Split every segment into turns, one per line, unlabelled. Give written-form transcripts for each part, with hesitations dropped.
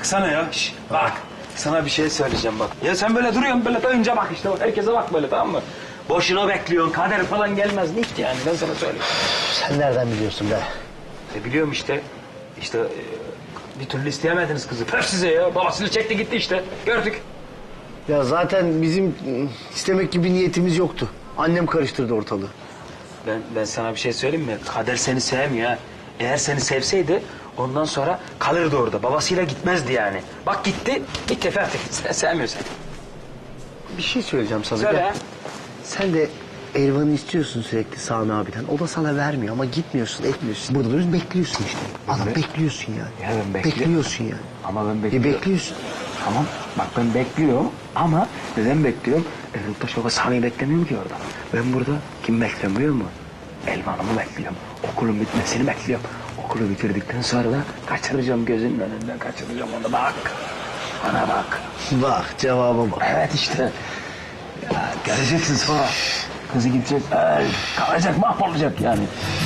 baksana ya. Şş, bak. Sana bir şey söyleyeceğim bak. Ya sen böyle duruyorsun böyle önce bak işte bak. Herkese bak böyle tamam mı? Boşuna bekliyorsun. Kader falan gelmez. Nikt yani ben sana söyleyeyim.
Sen nereden biliyorsun be?
Biliyorum işte. İşte bir türlü isteyemediniz kızı. Pöf size ya. Babasını çekti gitti işte. Gördük.
Ya zaten bizim istemek gibi niyetimiz yoktu. Annem karıştırdı ortalığı.
Ben sana bir şey söyleyeyim mi? Kader seni sevmiyor ha. Eğer seni sevseydi ondan sonra kalırdı orada. Babasıyla gitmezdi yani. Bak gitti. Bitti Fatih. Sen sevmiyor seni.
Bir şey söyleyeceğim sana.
Söyle.
Gel. Sen de Elvan'ı istiyorsun sürekli Sami abiden. O da sana vermiyor ama gitmiyorsun, etmiyorsun. Burada duruyorsun, bekliyorsun işte. Adam bekliyorsun yani.
Ya ben bekliyorum.
Bekliyorsun yani.
Ama ben bekliyorum.
Bekliyorsun.
Tamam. Bak ben bekliyorum ama neden bekliyorum? Eroltaş Baba Sami'yi beklemiyorum ki orada. Ben burada kim bekliyorum biliyor musun? Elvan'ımı bekliyorum. Okulun bitmesini bekliyorum. Okulu bitirdikten sonra da kaçıracağım gözünün önünden kaçıracağım onu bak. Bana bak.
Bak cevaba bak.
Evet işte. Ya göreceksin sonra. Kızı gidecek, kalacak, mahvolacak yani.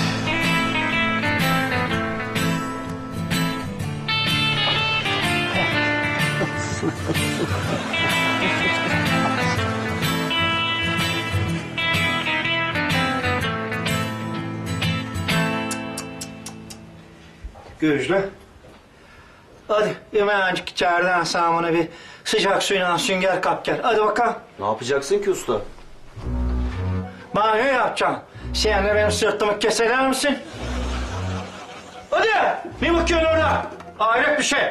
Gözlü. Hadi hemencik içeriden Sami'ne bir sıcak suyla sünger kap gel. Hadi bakalım.
Ne yapacaksın ki usta?
Banyo yapacaksın. Sen de benim sırtımı keseler misin? Hadi. Ne bakıyorsun orada? Hayret bir şey.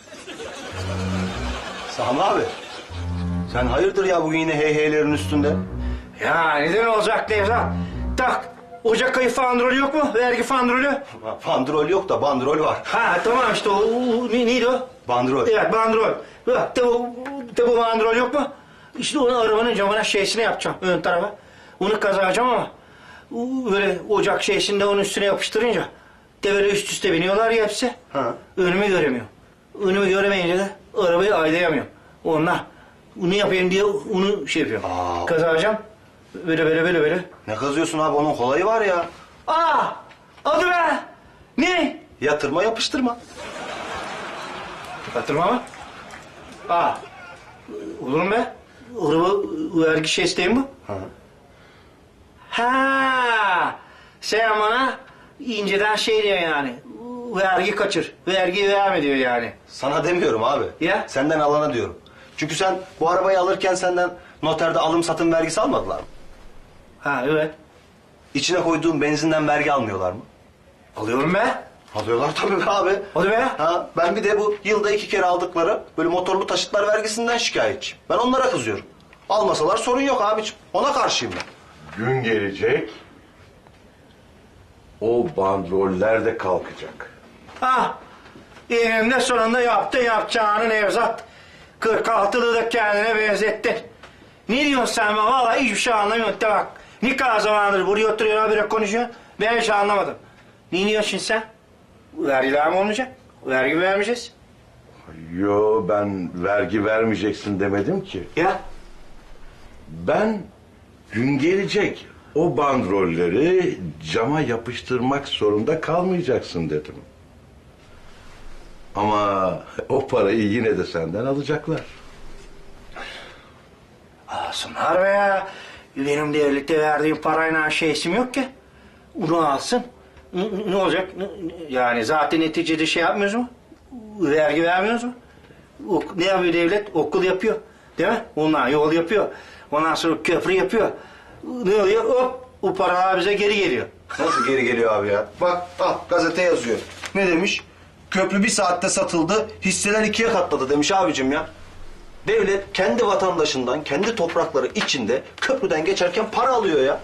Sami abi. Sen hayırdır ya bugün yine heyheylerin üstünde?
Ya neden olacak Nevzat? Tak. Ocak ayı fandrolü yok mu? Vergi fandrolü.
Bandrol yok da bandrol var.
Ha tamam işte neydi o?
Bandrol.
Evet bandrol. Bak de bu bandrol yok mu? İşte onu arabanın camına şeysine yapacağım ön tarafa. Onu kazıyacağım ama böyle ocak şeysinde onun üstüne yapıştırınca de böyle üst üste biniyorlar ya hepsi.
Ha.
Önümü göremiyorum. Önümü göremeyince de arabayı aylayamıyorum. Ondan bunu yapayım diye onu şey yapıyorum. Kazıyacağım. Böyle.
Ne kazıyorsun abi, onun kolayı var ya.
Aa! Adı be! Ne?
Yatırma yapıştırma.
Yatırma mı? Aa! Olur mu be? Araba vergi şey isteyin mi?
Hı.
Ha! Sen bana inceden şey diyor yani. Vergi kaçır. Vergi verme diyor yani.
Sana demiyorum abi.
Ya?
Senden alana diyorum. Çünkü sen bu arabayı alırken senden noterde alım satım vergisi almadılar mı?
Ha evet.
İçine koyduğun benzinden vergi almıyorlar mı?
Alıyorum be.
Alıyorlar tabii be abi.
Hadi be.
Ha, ben bir de bu yılda 2 kere aldıkları böyle motorlu taşıtlar vergisinden şikayetçiyim. Ben onlara kızıyorum. Almasalar sorun yok abiciğim. Ona karşıyım ben.
Gün gelecek, o bandroller de kalkacak.
Ha! Eninde sonunda yaptın yapacağını Nevzat. 46'lı da kendine benzettin. Ne diyorsun sen bana? Vallahi hiçbir şey anlamıyorum. De bak. Ne kadar zamandır buraya oturuyor habire konuşuyor. Ben hiç anlamadım. Ne diyorsun sen? Vergiler mi olmayacak? Vergi vermeyeceğiz.
Yo, ben vergi vermeyeceksin demedim ki.
Ya?
Ben gün gelecek, o bandrolleri cama yapıştırmak zorunda kalmayacaksın dedim. Ama o parayı yine de senden alacaklar.
Alsınlar be ya. Benim devlette verdiğim parayla şeysim yok ki. Onu alsın. Ne olacak? Yani zaten neticede şey yapmıyoruz mu? Vergi vermiyoruz mu? Ne yapıyor devlet? Okul yapıyor. Değil mi? Ondan yol yapıyor. Ondan sonra köprü yapıyor. Ne oluyor? Hop! O paralar bize geri geliyor.
Nasıl geri geliyor abi ya? Bak al, gazete yazıyor. Ne demiş? Köprü 1 saatte satıldı, hisseler 2'ye katladı demiş abicim ya. Devlet kendi vatandaşından, kendi toprakları içinde köprüden geçerken para alıyor ya.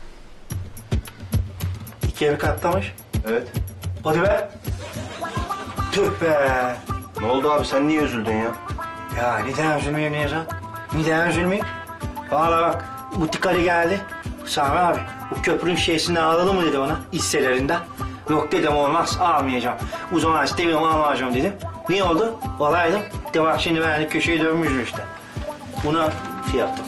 2'ye mi katlamış?
Evet.
Hadi be! Tüh be!
Ne oldu abi, sen niye üzüldün ya?
Ya neden üzülmeyeyim Nevzat? Neden üzülmeyeyim? Valla bak, butik Ali geldi. Sami abi, bu köprünün şeysini alalım mı dedi bana, hisselerinden. Yok dedim, olmaz, almayacağım. O zaman istemiyorum, almayacağım dedim. Ne oldu? Olaydım. De bak şimdi ben de köşeyi dönmüşüm işte. Buna şey yaptım.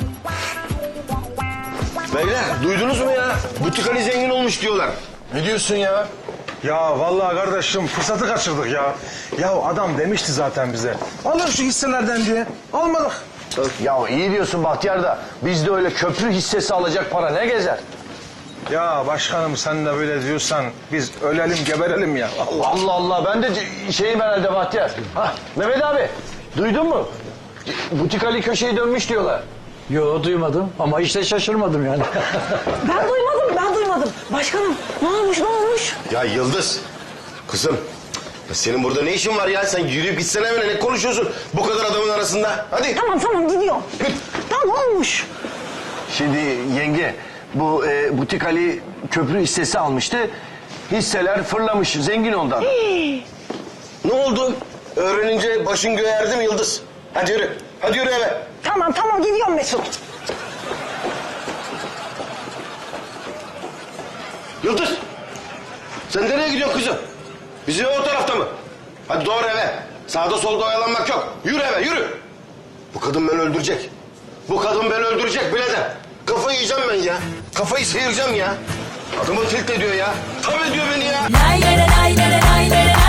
Beyler duydunuz mu ya? Butik Ali zengin olmuş diyorlar. Ne diyorsun ya? Ya vallahi kardeşim fırsatı kaçırdık ya. Ya adam demişti zaten bize. Alın şu hisselerden diye. Almadık.
Ya iyi diyorsun Bahtiyar da bizde öyle köprü hissesi alacak para ne gezer?
Ya başkanım sen de böyle diyorsan biz ölelim geberelim ya. Allah.
Allah Allah ben de şeyim herhalde Bahtiyar. Hah, Mehmet abi duydun mu? Butik Ali köşeyi dönmüş diyorlar.
Yo duymadım ama işte şaşırmadım yani.
Ben duymadım. Başkanım ne olmuş?
Ya Yıldız, kızım. Ya senin burada ne işin var ya? Sen yürüyüp gitsene evine. Ne konuşuyorsun bu kadar adamın arasında? Hadi.
Tamam gidiyorum. Tamam olmuş.
Şimdi yenge bu Butik Ali köprü hissesi almıştı. Hisseler fırlamış zengin ondan.
Ne oldu? Öğrenince başın göğe erdi mi Yıldız? Hadi yürü. Hadi yürü eve.
Tamam gidiyorum Mesut.
Yıldız. Sen nereye gidiyorsun kızım? Bizim ev o tarafta mı? Hadi doğru eve. Sağda solda oyalanmak yok. Yürü eve yürü. Bu kadın beni öldürecek. Bu kadın beni öldürecek birader. Kafayı yiyeceğim ben ya. Kafayı sıyıracağım ya. Adamı tilt ediyor ya. Tam ediyor beni ya.
Lay lay lay lay lay lay lay.